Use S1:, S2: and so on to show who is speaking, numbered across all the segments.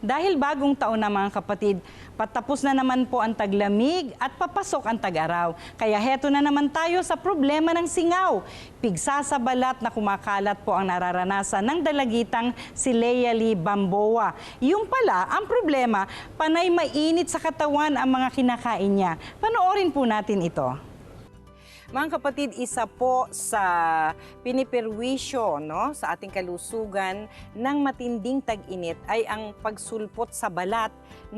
S1: Dahil bagong taon na mga kapatid, patapos na naman po ang taglamig at papasok ang tag-araw. Kaya heto na naman tayo sa problema ng singaw. Pigsa sa balat na kumakalat po ang nararanasan ng dalagitang si Lea Lee Bamboa. Yung pala, ang problema, panay mainit sa katawan ang mga kinakain niya. Panoorin po natin ito. Mga kapatid, isa po sa piniperwisyo sa ating kalusugan ng matinding tag-init ay ang pagsulpot sa balat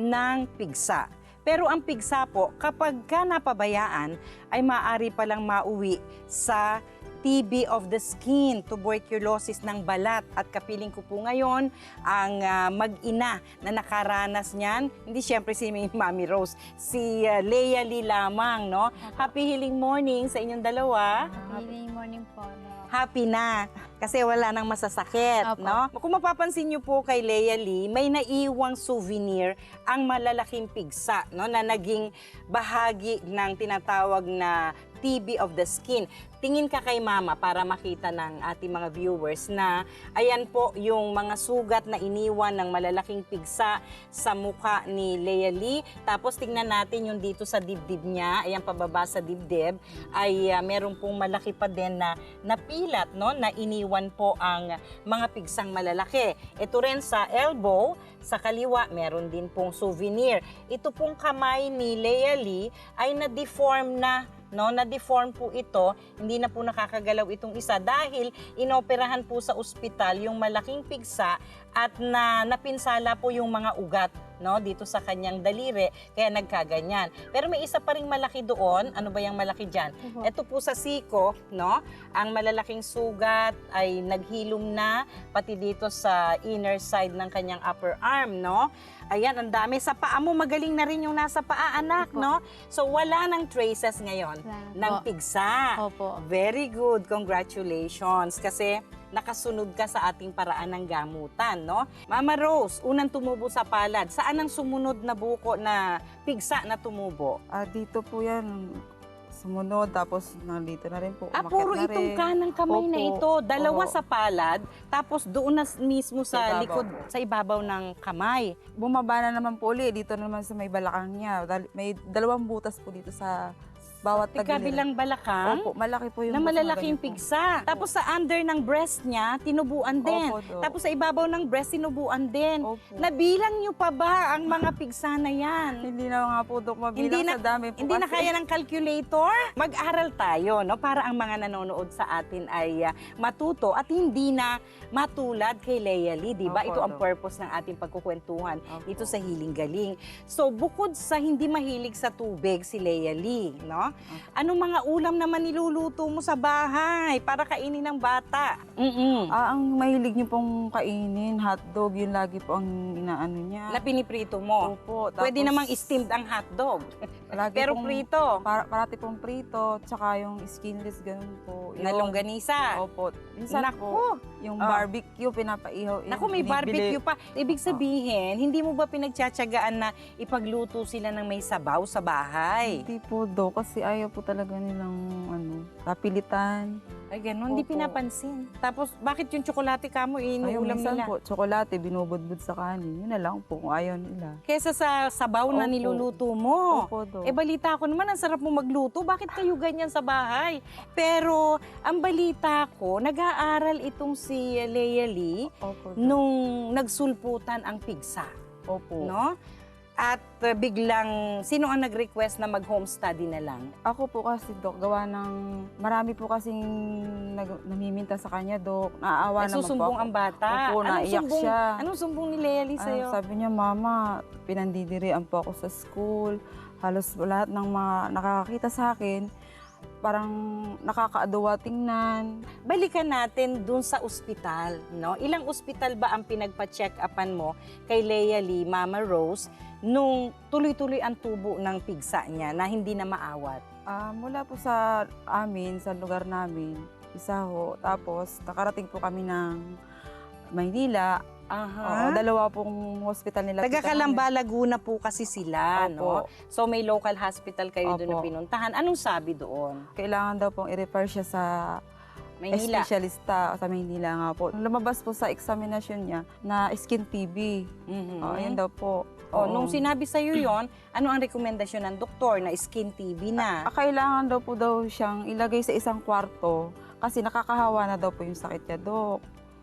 S1: ng pigsa. Pero ang pigsa po, kapag ka napabayaan, ay maaari palang mauwi sa TB of the skin, tuberculosis ng balat. At kapiling ko po ngayon ang mag-ina na nakaranas niyan. Hindi siyempre si Mami Rose, si Lea Lee lamang. No? Happy healing morning sa inyong dalawa.
S2: Happy healing morning po.
S1: Happy na kasi wala nang masasakit. No? Kung mapapansin niyo po kay Lea Lee, may naiwang souvenir ang malalaking pigsa na naging bahagi ng tinatawag na TB of the skin. Tingin ka kay Mama para makita ng ating mga viewers na ayan po yung mga sugat na iniwan ng malalaking pigsa sa mukha ni Lea Lee. Tapos tingnan natin yung dito sa dibdib niya, ayan pababa sa dibdib, ay meron pong malaki pa din na napilat, na iniwan po ang mga pigsang malalaki. Ito rin sa elbow, sa kaliwa, meron din pong souvenir. Ito pong kamay ni Lea Lee ay na-deform na. Na-deform po ito, hindi na po nakakagalaw itong isa dahil inoperahan po sa ospital yung malaking pigsa at napinsala po yung mga ugat dito sa kanyang daliri, kaya nagkaganyan. Pero may isa pa ring malaki doon. Ano ba yung malaki dyan? Ito po sa siko, ang malalaking sugat ay naghilom na pati dito sa inner side ng kanyang upper arm, Ayan, ang dami. Sa paa mo, magaling na rin yung nasa paa, anak, So, wala nang traces ngayon ng pigsa.
S2: Opo.
S1: Very good. Congratulations. Kasi nakasunod ka sa ating paraan ng gamutan, Mama Rose, unang tumubo sa palad. Saan ang sumunod na buko na pigsa na tumubo?
S3: Dito po yan. Sumunod, tapos nandito na rin po.
S1: Puro itong kanang kamay na ito. Dalawa sa palad, tapos doon na mismo sa likod, sa ibabaw ng kamay.
S3: Bumaba na naman po ulit. Dito naman sa may balakang niya. May dalawang butas po dito sa bawat tagiliran.
S1: Kabilang balakang?
S3: Opo, malaki po yung
S1: na malalaking pigsa. Tapos sa under ng breast niya, tinubuan din.
S3: Opo,
S1: tapos sa ibabaw ng breast, tinubuan din.
S3: Opo.
S1: Nabilang niyo pa ba ang mga pigsa na yan?
S3: Hindi na nga po, Dok, mabilang sa dami po.
S1: Hindi na kaya ng calculator? Mag-aral tayo, para ang mga nanonood sa atin ay matuto at hindi na matulad kay Lea Lee, di ba?
S3: Opo,
S1: Ito ang
S3: Dok.
S1: purpose ng ating pagkukwentuhan
S3: Opo.
S1: dito sa Healing Galing. So, bukod sa hindi mahilig sa tubig si Lea Lee, anong mga ulam naman niluluto mo sa bahay para kainin ng bata?
S3: Ang mahilig niyo pong kainin, hotdog, yun lagi po ang inaano niya.
S1: Na piniprito mo?
S3: Opo.
S1: Pwede namang steamed ang hotdog. Pero prito.
S3: Parati pong prito, tsaka yung skinless, ganun po.
S1: Na longganisa.
S3: Opo. Minsan
S1: Naku.
S3: po, yung barbecue, pinapaihaw.
S1: Naku, may barbecue pa. Ibig sabihin, hindi mo ba pinagtsatsagaan na ipagluto sila ng may sabaw sa bahay?
S3: Hindi po, do, kasi ayaw po talaga nilang kapilitan.
S1: Ay, ganun. Hindi
S3: Opo.
S1: pinapansin. Tapos, bakit yung tsokolate ka mo, inuulam
S3: minsan
S1: nila?
S3: po, tsokolate, binubudbud sa kanin. Yun na lang po kung ayaw nila.
S1: Kesa sa sabaw na
S3: Opo.
S1: niluluto mo.
S3: Opo, do.
S1: Balita ko naman, ang sarap mo magluto. Bakit kayo ganyan sa bahay? Pero, ang balita ko, nag-aaral itong si Lea Lee
S3: Opo, do.
S1: nung nagsulputan ang pigsa.
S3: Opo.
S1: At biglang, sino ang nag-request na mag-home study na lang?
S3: Ako po kasi, Dok, gawa ng marami po kasing namiminta sa kanya, Dok. Naaawa naman po
S1: Nagsusumbong
S3: ako.
S1: ang bata?
S3: Opo, naiyak siya.
S1: Anong sumbong ni Lea Lee sa'yo?
S3: Sabi niya, Mama, pinandidirian po ako sa school. Halos lahat ng mga nakakakita sa akin, parang nakakaaduwa tingnan.
S1: Balikan natin dun sa ospital, Ilang ospital ba ang pinagpa-check-upan mo kay Lea Lee, Mama Rose, nung tuloy-tuloy ang tubo ng pigsa niya na hindi na maawat?
S3: Mula po sa amin, sa lugar namin, isa ho. Tapos, nakarating po kami ng Maynila. Oo, dalawa pong hospital nila.
S1: Taga Calamba, Laguna po kasi sila,
S3: Opo.
S1: So may local hospital kayo doon na
S3: Opo.
S1: pinuntahan. Anong sabi doon?
S3: Kailangan daw pong i-refer siya sa
S1: Maynila.
S3: Espesyalista sa Maynila nga po. Lumabas po sa examination niya na skin TB. Ayun daw po.
S1: Nung sinabi sa'yo yon, ano ang rekomendasyon ng doktor na skin TB na?
S3: Kailangan daw po siyang ilagay sa isang kwarto kasi nakakahawa na daw po yung sakit niya, Dok.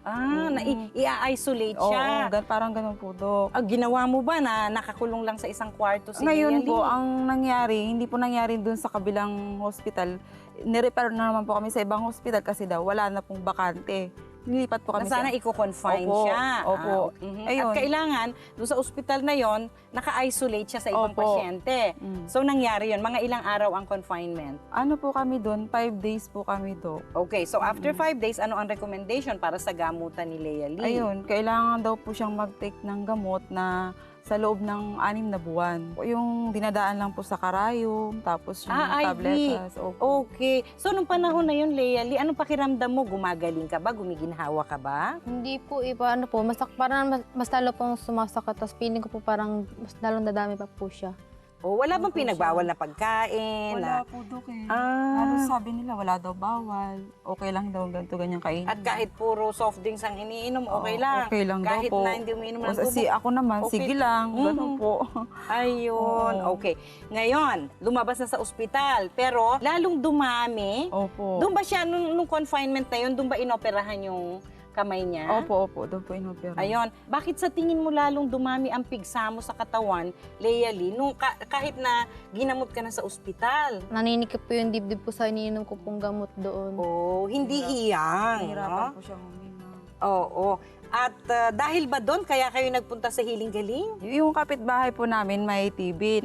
S1: I-isolate siya.
S3: Oo, parang ganun po, Dok.
S1: Ginawa mo ba na nakakulong lang sa isang kwarto si
S3: Ngayon
S1: Leia
S3: po,
S1: Lee?
S3: ang nangyari, hindi po nangyari dun sa kabilang hospital. Nirepair na naman po kami sa ibang hospital kasi daw wala na pong bakante. Nilipat po
S1: Na
S3: kami
S1: sana i-confine
S3: Opo,
S1: siya.
S3: opo. Ayun.
S1: At kailangan, doon sa ospital na yon, naka-isolate siya sa ibang
S3: Opo.
S1: pasyente. So nangyari yon, mga ilang araw ang confinement.
S3: Ano po kami doon? 5 days po kami, Dok.
S1: Okay, so after 5 days, ano ang recommendation para sa gamutan ni Leia Lee?
S3: Ayun, kailangan daw po siyang mag-take ng gamot na sa loob ng 6 na buwan. Yung dinadaan lang po sa karayom, tapos yung
S1: IV.
S3: tabletas. Opo.
S1: Okay. So nung panahon na yun, Leia Lee, anong pakiramdam mo? Gumagaling ka ba? Gumiginhawa ka ba?
S2: Hindi po iba, ano po, parang mas lalo pong sumasakit, tapos feeling ko po parang mas lalong dadami pa po siya.
S1: O wala bang
S3: Opo,
S1: pinagbawal na pagkain?
S3: Wala po, Dok eh.
S1: Ah.
S3: Ano sabi nila, wala daw bawal. Okay lang daw ganito, ganyan kainin.
S1: At kahit puro soft drinks ang iniinom, okay
S3: Oo,
S1: lang.
S3: okay lang daw
S1: Kahit
S3: po.
S1: na hindi umiinom ng
S3: O,
S1: tubig.
S3: ako naman,
S1: Okay.
S3: sige lang. Ganun po.
S1: Ayun,
S3: Oo.
S1: okay. Ngayon, lumabas na sa ospital, pero lalong dumami.
S3: Opo.
S1: Doon ba siya, nung confinement na yun, doon ba inoperahan yung kamay niya?
S3: Opo, doon po inopera.
S1: Ayun, bakit sa tingin mo lalong dumami ang pigsa mo sa katawan, Leia Lee, nung kahit na ginamot ka na sa ospital?
S2: Naninikip po yung dibdib ko sa iniinom ko pong gamot doon.
S1: Oh, hindi hiyang,
S3: Nahirapan
S1: no?
S3: po siyang huminga.
S1: Oo. At dahil ba doon, kaya kayo nagpunta sa Hiling Galing?
S3: Yung kapitbahay po namin may TV,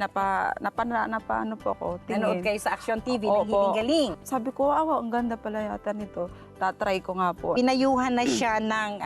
S3: ano po ako,
S1: Nanood
S3: tingin.
S1: kayo sa Action TV ng
S3: Opo.
S1: Hiling Galing.
S3: Sabi ko, ang ganda pala yata nito. Tatry ko nga po.
S1: Pinayuhan na siya ng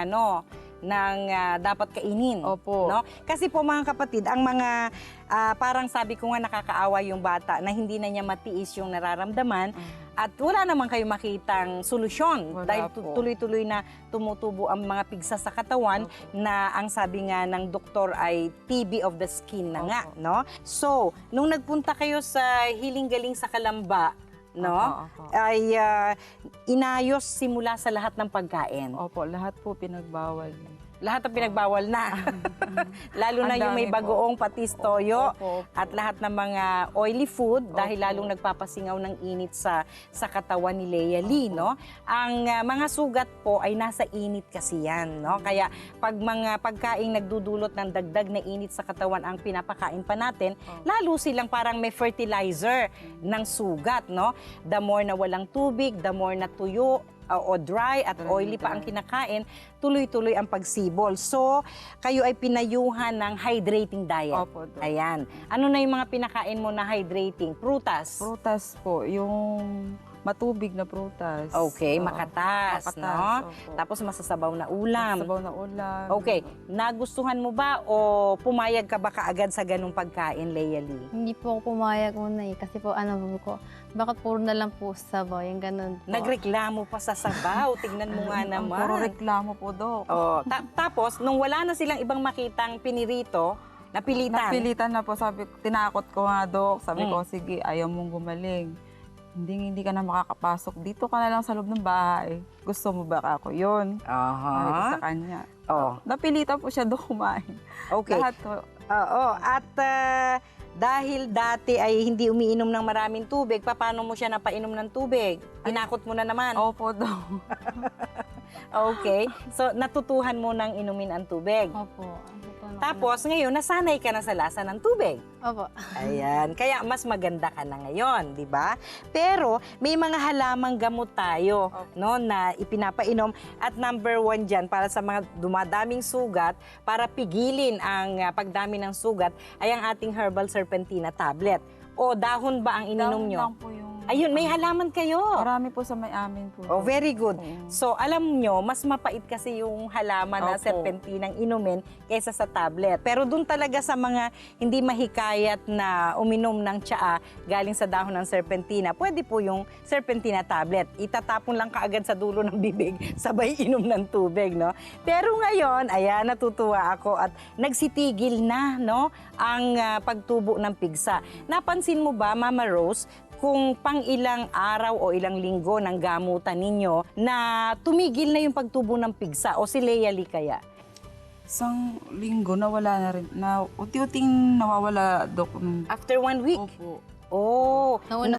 S1: dapat kainin.
S3: Opo.
S1: No? Kasi po mga kapatid, ang mga parang sabi ko nga nakakaawa yung bata na hindi na niya matiis yung nararamdaman at wala naman kayo makitang solusyon
S3: Wala
S1: dahil
S3: po.
S1: tuloy-tuloy na tumutubo ang mga pigsa sa katawan na ang sabi nga ng doktor ay TB of the skin na nga,
S3: Opo.
S1: no? So, nung nagpunta kayo sa Hiling Galing sa Kalamba, no?
S3: Opo.
S1: Ay inayos simula sa lahat ng pagkain.
S3: Opo, lahat po pinagbawal.
S1: Lahat ang pinagbawal na. Lalo na
S3: Ang
S1: yung may
S3: dami po.
S1: bagoong patis toyo
S3: Opo.
S1: at lahat ng mga oily food dahil
S3: Opo.
S1: lalong nagpapasingaw ng init sa katawan ni Leia Lee,
S3: Opo.
S1: no? Ang mga sugat po ay nasa init kasi yan, no? Kaya pag mga pagkaing nagdudulot ng dagdag na init sa katawan ang pinapakain pa natin, lalo silang parang may fertilizer ng sugat, no? The more na walang tubig, the more na tuyo o dry at oily pa ang kinakain, tuloy-tuloy ang pagsibol. So, kayo ay pinayuhan ng hydrating diet.
S3: Opo, Dok.
S1: Ayan. Ano na yung mga pinakain mo na hydrating? Prutas?
S3: Prutas po, yung matubig na prutas.
S1: Okay,
S3: Oo.
S1: makatas, no?
S3: Opo.
S1: Tapos masasabaw na ulam.
S3: Sabaw na ulam.
S1: Okay, nagustuhan mo ba o pumayag ka ba kaagad sa ganung pagkain, Leia Lee?
S2: Hindi po ako pumayag una kasi po ko, bakit puro na lang po sabaw, yung ganun po.
S1: Nagreklamo pa sa sabaw. Tignan mo nga
S3: Ang
S1: naman.
S3: puro reklamo po, Dok.
S1: Oh, tapos, nung wala na silang ibang makitang pinirito, napilitan.
S3: Napilitan na po, sabi ko, tinakot ko nga, Dok. Sabi
S1: Mm.
S3: ko, sige, ayaw mong gumaling. Hindi ka na makakapasok. Dito ka na lang sa loob ng bahay. Gusto mo ba ako yun? Sabi ko sa kanya.
S1: Oh,
S3: Napilitan po siya doon kumain.
S1: okay.
S3: Lahat po.
S1: Oo, at dahil dati ay hindi umiinom ng maraming tubig, paano mo siya napainom ng tubig? Tinakot mo na naman.
S3: Opo, Dok.
S1: Okay. So, natutuhan mo nang inumin ang tubig.
S2: Opo.
S1: Tapos, ngayon, nasanay ka na sa lasa ng tubig.
S2: Opo.
S1: Ayan. Kaya mas maganda ka na ngayon, di ba? Pero, may mga halamang gamot tayo, no, na ipinapainom. At number 1 dyan, para sa mga dumadaming sugat, para pigilin ang pagdami ng sugat, ay ang ating herbal serpentina tablet. O dahon ba ang ininom
S3: Dahon
S1: nyo?
S3: lang po yung...
S1: Ayun, may halaman kayo.
S3: Marami po sa may amin po.
S1: Oh, very good.
S3: Oo.
S1: So, alam nyo, mas mapait kasi yung halaman na
S3: Opo.
S1: serpentinang inumin kaysa sa tablet. Pero dun talaga sa mga hindi mahikayat na uminom ng tsaa galing sa dahon ng serpentina, pwede po yung serpentina tablet. Itatapon lang kaagad sa dulo ng bibig, sabay inom ng tubig, no? Pero ngayon, ayan, natutuwa ako at nagsitigil na, no, ang pagtubo ng pigsa. Napansin mo ba, Mama Rose, kung pang ilang araw o ilang linggo ng gamutan ninyo na tumigil na yung pagtubo ng pigsa o si Lea Lee kaya?
S3: Isang linggo nawala na rin. Na, unti-unting nawawala, Dok.
S1: After 1 week?
S3: Opo.
S1: Oh,
S2: Nauna